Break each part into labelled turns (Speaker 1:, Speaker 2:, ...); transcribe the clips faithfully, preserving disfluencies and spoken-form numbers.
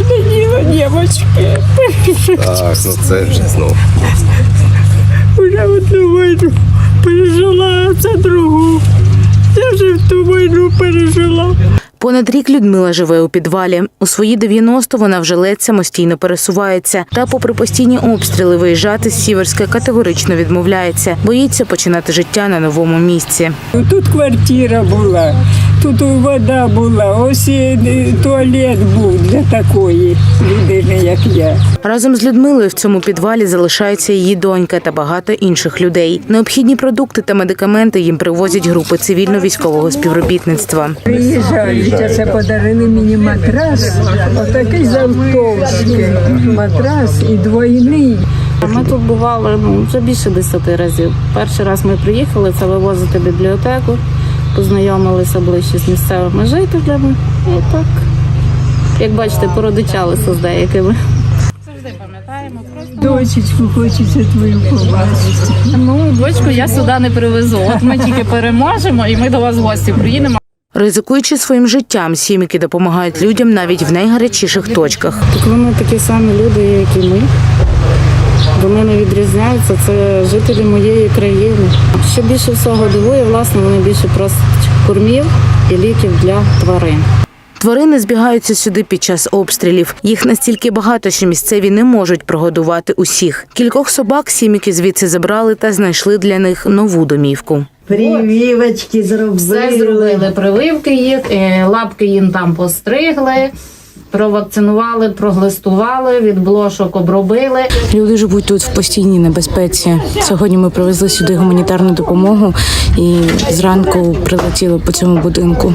Speaker 1: страшне діло, дівчатки.
Speaker 2: Так, ну це вже знову.
Speaker 1: Уже одну війну пережила, а це другу. Я вже в ту війну пережила.
Speaker 3: Понад рік Людмила живе у підвалі. У свої дев'яносто вона вже ледь самостійно пересувається. Та попри постійні обстріли виїжджати з Сіверська категорично відмовляється. Боїться починати життя на новому місці.
Speaker 1: Тут квартира була, тут вода була, ось і туалет був для такої людини, як я.
Speaker 3: Разом з Людмилою в цьому підвалі залишається її донька та багато інших людей. Необхідні продукти та медикаменти їм привозять групи цивільно-військового співробітництва.
Speaker 1: Приїжджають, а це подарили мені матрас, отакий завтовський матрас і двойний.
Speaker 4: Ми тут бували ну, вже більше десяти разів. Перший раз ми приїхали, це вивозити бібліотеку, познайомилися ближче з місцевими жителями. І так, як бачите, породичалися з деякими. Завжди пам'ятаємо. Просто...
Speaker 1: Дочечку хочеться твою побачити.
Speaker 4: Ну, дочку я сюди не привезу. От ми тільки переможемо і ми до вас в гості приїдемо.
Speaker 3: Ризикуючи своїм життям, сім'ї допомагають людям навіть в найгарячіших точках.
Speaker 4: Так вони такі самі люди, як і ми. Вони не відрізняються, це жителі моєї країни. Що більше всього дивує, власне, вони більше просять кормів і ліків для тварин.
Speaker 3: Тварини збігаються сюди під час обстрілів. Їх настільки багато, що місцеві не можуть прогодувати усіх. Кількох собак сім'ї звідси забрали та знайшли для них нову домівку.
Speaker 5: Прививочки зробили.
Speaker 4: Все зробили, прививки їх, лапки їм там постригли, провакцинували, проглистували, від блошок обробили.
Speaker 6: Люди живуть тут в постійній небезпеці. Сьогодні ми привезли сюди гуманітарну допомогу і зранку прилетіли по цьому будинку.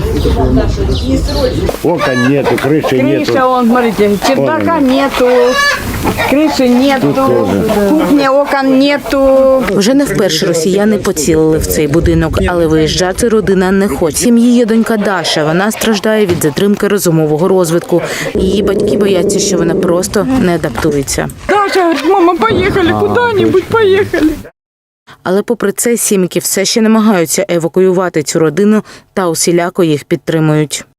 Speaker 7: Окон нету, крыши нету.
Speaker 1: Крыша, вон, смотрите, чердака нету, крыши нету, кухні, окон нету.
Speaker 3: Вже не вперше росіяни поцілили в цей будинок, але виїжджати родина не хоче. Сім'ї є донька Даша. Вона страждає від затримки розумового розвитку. Її батьки бояться, що вона просто не адаптується.
Speaker 1: Даша говорить, мама, поїхали, куди-небудь поїхали.
Speaker 3: Але попри це сім'ї все ще намагаються евакуювати цю родину та усіляко їх підтримують.